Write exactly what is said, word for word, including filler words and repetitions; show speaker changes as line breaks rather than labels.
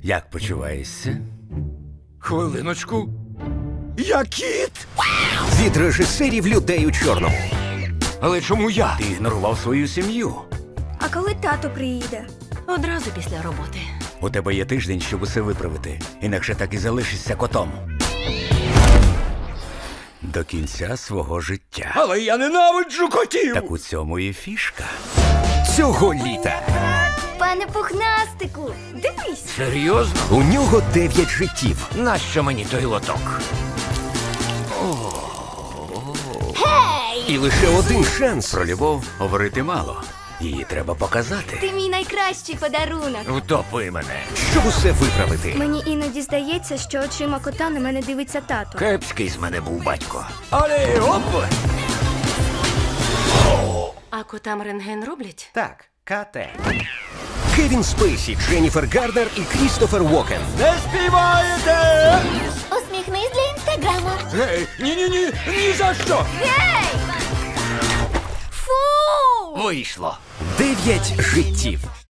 Як почуваєшся?
Хвилиночку. Я кіт!
Від режисерів людей у чорному.
Але чому я?
Ти ігнорував свою сім'ю.
А коли тато приїде?
Одразу після роботи.
У тебе є тиждень, щоб усе виправити. Інакше так і залишишся котом. До кінця свого життя.
Але я ненавиджу котів!
Так у цьому і фішка.
Цього літа
Пане пухнастику, дивись.
Серйозно?
у нього дев'ять життів.
Нащо мені той лоток?
І лише один шанс
Про любов говорити мало. Її треба показати.
Ти мій найкращий подарунок.
Втопи мене.
щоб усе виправити.
Мені іноді здається, що очима кота на мене дивиться тато.
Кепський з мене був батько. Але оп!
А котам рентген роблять?
Так, КТ. Кевін Спейсі, Дженніфер Гарднер і Крістофер Уокен.
Не співаєте!
Усміхнись для інстаграму.
Гей, ні-ні-ні, ні за що!
Гей! Фу!
Вийшло.
Дев'ять життів.